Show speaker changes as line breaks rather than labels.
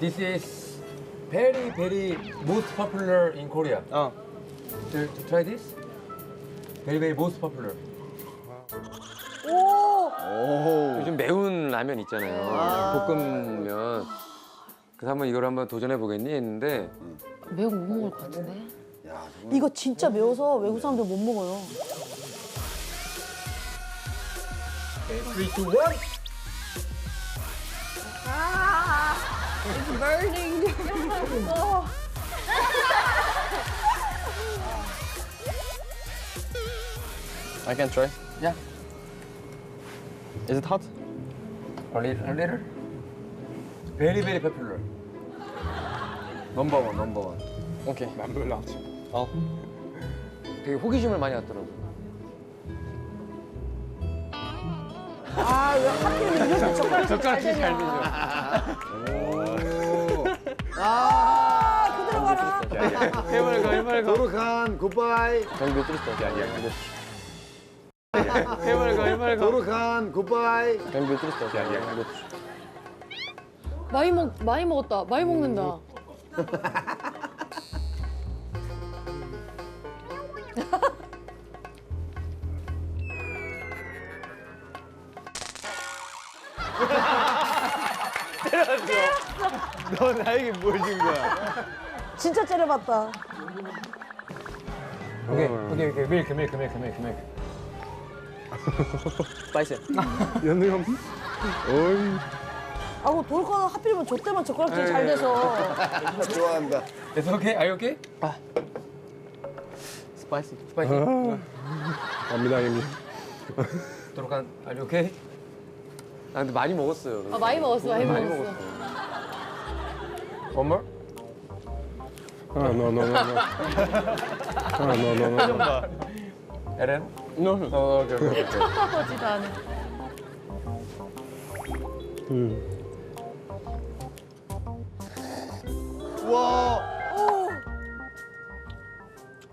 This is very very most popular in Korea. To try this? Very very most popular.
요즘 매운 라면 있잖아요. 볶음면. 그래서 한번 이걸 한번 도전해 보겠니 했는데
매운 거 못 먹을 것 같은데?
이거 진짜 매워서 외국 사람들 못 먹어요.
Okay, 3, 2, 1.
It's burning.
I can try.
Yeah.
Is it hot?
A little. Very very popular. Number one.
Okay.
난 별로 안
Al.
되게 호기심을 많이 갖더라고.
아, 왜 하필 이렇게 젓가락질 잘 되냐. 그대로 가라.
해맑아.
도르칸 굿바이.
Can we just
해맑아.
도르칸 굿바이.
Can we just
많이 먹었다. 많이 먹는다.
너 나에게 뭘 준 거야?
진짜 째려봤다.
Okay. Milk.
spicy?
연우 형. 어이.
아우, 돌거는 하필이면 저 때만 젓가락질 잘 돼서.
좋아한다.
It's okay. Are you okay?
Spicy.
Spicy.
갑니다 형님.
도로칸, are you okay?
아 근데 많이 먹었어요.
아, 많이 먹었어. 많이
많이
먹었어.
먹었어.
One more?
No. no.
Eren?
No.
Okay.
쳐다보지도 않아.
와.